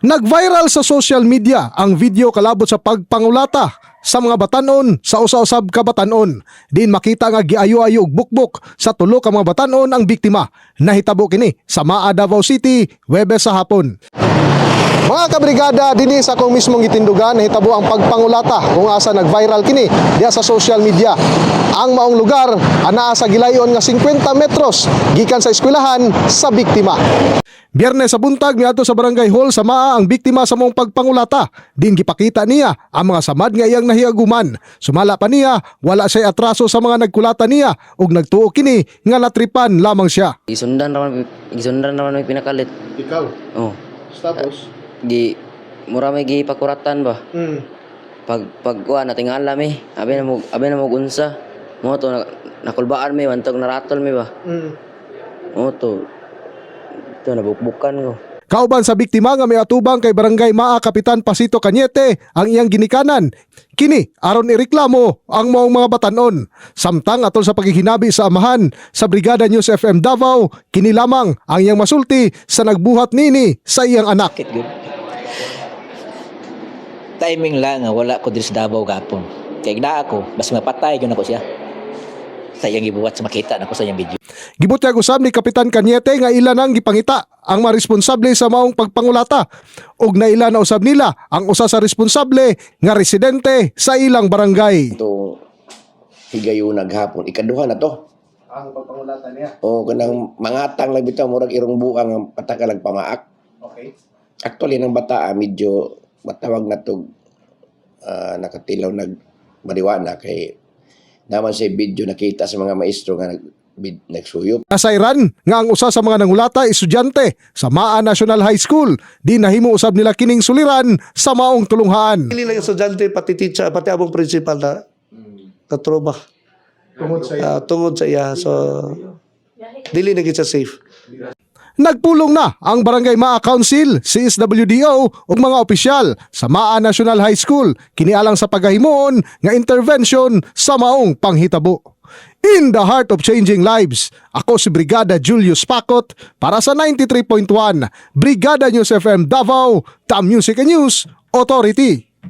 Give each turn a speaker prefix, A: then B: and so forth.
A: Nag-viral sa social media ang video kalabot sa pagpangulata sa mga batanon sa usa-usab ka batanon. Din makita nga giayo-ayo og bukbok sa tulo ka mga batanon ang biktima. Nahitabo kini sa Maa, Davao City, Huwebes sa hapon. Mga kabrigada, dinhi sa akong mismong gitindugan nahitabo ang pagpangulata kung asa nag-viral kini diha sa social media. Ang maong lugar anaa sa gilayon nga 50 metros gikan sa eskwelahan sa biktima. Biyernes sa buntag miadto sa barangay hall sa Maa ang biktima sa maong pagpangulata. Din gipakita niya ang mga samad nga iyang nahiaguman. Sumala pa niya wala siya atraso sa mga nagkulata niya ug nagtuo kini nga natripan lamang siya.
B: Isundan naman may pinakalit.
A: Ikaw?
B: Oh.
A: Tapos?
B: Mura may pakuratan ba? Pag kuha natingala mi, abi na mo unsa. Mo to nakulbaan mi wantog naratol mi ba? Mo to nabukbukan ko.
A: Kauban sa biktima nga may atubang kay Barangay Maa Kapitan Pasito Cañete ang iyang ginikanan. Kini aron ireklamo ang maong mga batanon. Samtang atol sa paghihinabi sa amahan sa Brigada News FM Davao, kini lamang ang iyang masulti sa nagbuhat nini sa iyang anak.
C: Timing lang nga wala ko diri sa Davao gapon. Kay naa ako, basta mapatay gyud ako siya. Sa iyang gibuhat sa makita nako sa iyang video.
A: Gibutyag usab ni Kapitan Cañete nga ila nang gipangita ang mga responsable sa maong pagpangulata ug naila na usab nila ang usa sa responsable nga residente sa ilang barangay.
D: Ito higayon naghapon ikaduha na to
A: Ang pagpangulata niya.
D: o kanang mangatang lang bitaw murag irong buang ang patakalag pamaak.
A: Okay.
D: Actually nang bata medyo matawag na to nakatilaw nagmariwana kay naman sa video nakita sa mga maestro nga nagsuyop.
A: Nasayran nga ang usa sa mga nangulata estudyante sa Maa National High School. Di nahimo usab nila kining suliran sa maong tulunghaan.
E: Dili lang estudyante, pati teacher, pati abong principal na katroma. Tungod sa iya. So, dili na gid siya safe.
A: Nagpulong na ang Barangay Maa Council, CSWDO ug mga opisyal sa Maa National High School kinialang sa paghahimuon nga intervention sa maong panghitabo. In the heart of changing lives, ako si Brigada Julius Pacot para sa 93.1 Brigada News FM Davao, The Music and News Authority.